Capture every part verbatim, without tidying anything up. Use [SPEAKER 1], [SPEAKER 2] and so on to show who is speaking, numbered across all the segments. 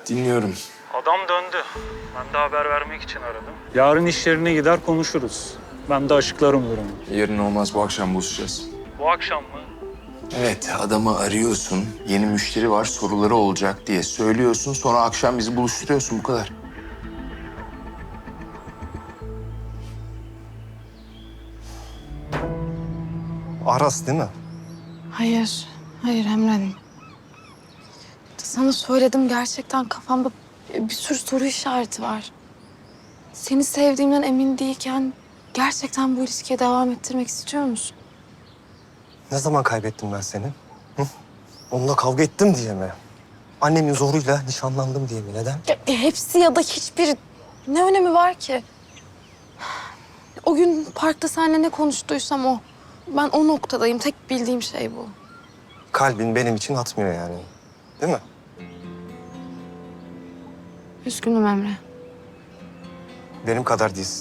[SPEAKER 1] Dinliyorum.
[SPEAKER 2] Adam döndü. Ben de haber vermek için aradım. Yarın iş yerine gider konuşuruz. Ben de açıklarım durumu.
[SPEAKER 1] Yarın olmaz, bu akşam buluşacağız.
[SPEAKER 2] Bu akşam mı?
[SPEAKER 1] Evet, adamı arıyorsun. Yeni müşteri var, soruları olacak diye söylüyorsun. Sonra akşam bizi buluşturuyorsun, bu kadar.
[SPEAKER 3] Aras değil mi?
[SPEAKER 4] Hayır, hayır Emre. Sana söyledim, gerçekten kafamda bir sürü soru işareti var. Seni sevdiğimden emin değilken gerçekten bu ilişkiye devam ettirmek istiyor musun?
[SPEAKER 3] Ne zaman kaybettim ben seni? Hı? Onunla kavga ettim diye mi? Annemin zoruyla nişanlandım diye mi? Neden?
[SPEAKER 4] Ya, e, hepsi ya da hiçbiri ne önemi var ki? O gün parkta seninle ne konuştuysam o. Ben o noktadayım. Tek bildiğim şey bu.
[SPEAKER 3] Kalbin benim için atmıyor yani. Değil mi?
[SPEAKER 4] Üzgünüm Emre.
[SPEAKER 3] Benim kadar değilsin.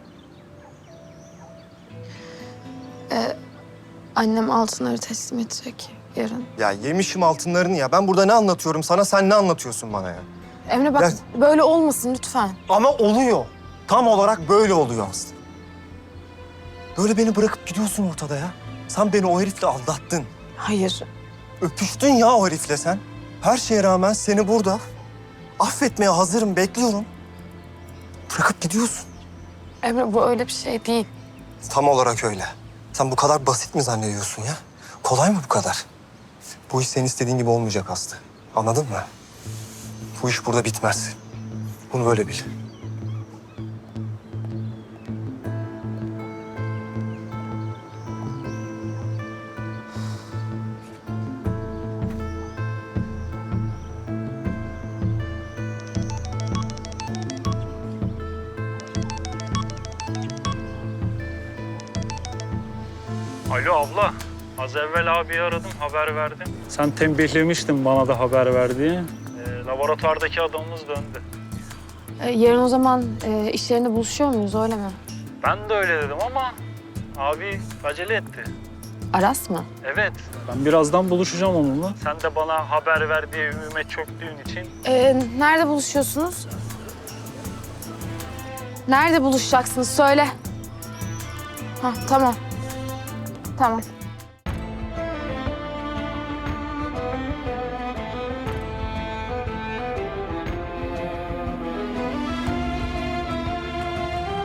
[SPEAKER 4] Annem altınları teslim edecek yarın.
[SPEAKER 3] Ya yemişim altınlarını ya. Ben burada ne anlatıyorum sana, sen ne anlatıyorsun bana ya?
[SPEAKER 4] Emre bak,
[SPEAKER 3] Ya-
[SPEAKER 4] böyle olmasın lütfen.
[SPEAKER 3] Ama oluyor. Tam olarak böyle oluyor Aslı. Böyle beni bırakıp gidiyorsun ortada ya. Sen beni o herifle aldattın.
[SPEAKER 4] Hayır.
[SPEAKER 3] Öpüştün ya o herifle sen. Her şeye rağmen seni burada affetmeye hazırım, bekliyorum. Bırakıp gidiyorsun.
[SPEAKER 4] Emre bu öyle bir şey değil.
[SPEAKER 3] Tam olarak öyle. Sen bu kadar basit mi zannediyorsun ya? Kolay mı bu kadar? Bu iş senin istediğin gibi olmayacak Aslı. Anladın mı? Bu iş burada bitmez. Bunu böyle bil.
[SPEAKER 2] Alo abla. Az evvel abiyi aradım, haber verdim. Sen tembihlemiştin bana da haber ver diye. Ee, laboratuvardaki adamımız döndü.
[SPEAKER 4] Ee, yarın o zaman e, iş yerinde buluşuyor muyuz, öyle mi?
[SPEAKER 2] Ben de öyle dedim ama abi acele etti.
[SPEAKER 4] Aras mı?
[SPEAKER 2] Evet. Ben birazdan buluşacağım onunla. Sen de bana haber ver diye ümüme çöktüğün için.
[SPEAKER 4] Ee, nerede buluşuyorsunuz? Nerede buluşacaksınız? Söyle. Ha, tamam. Tamam.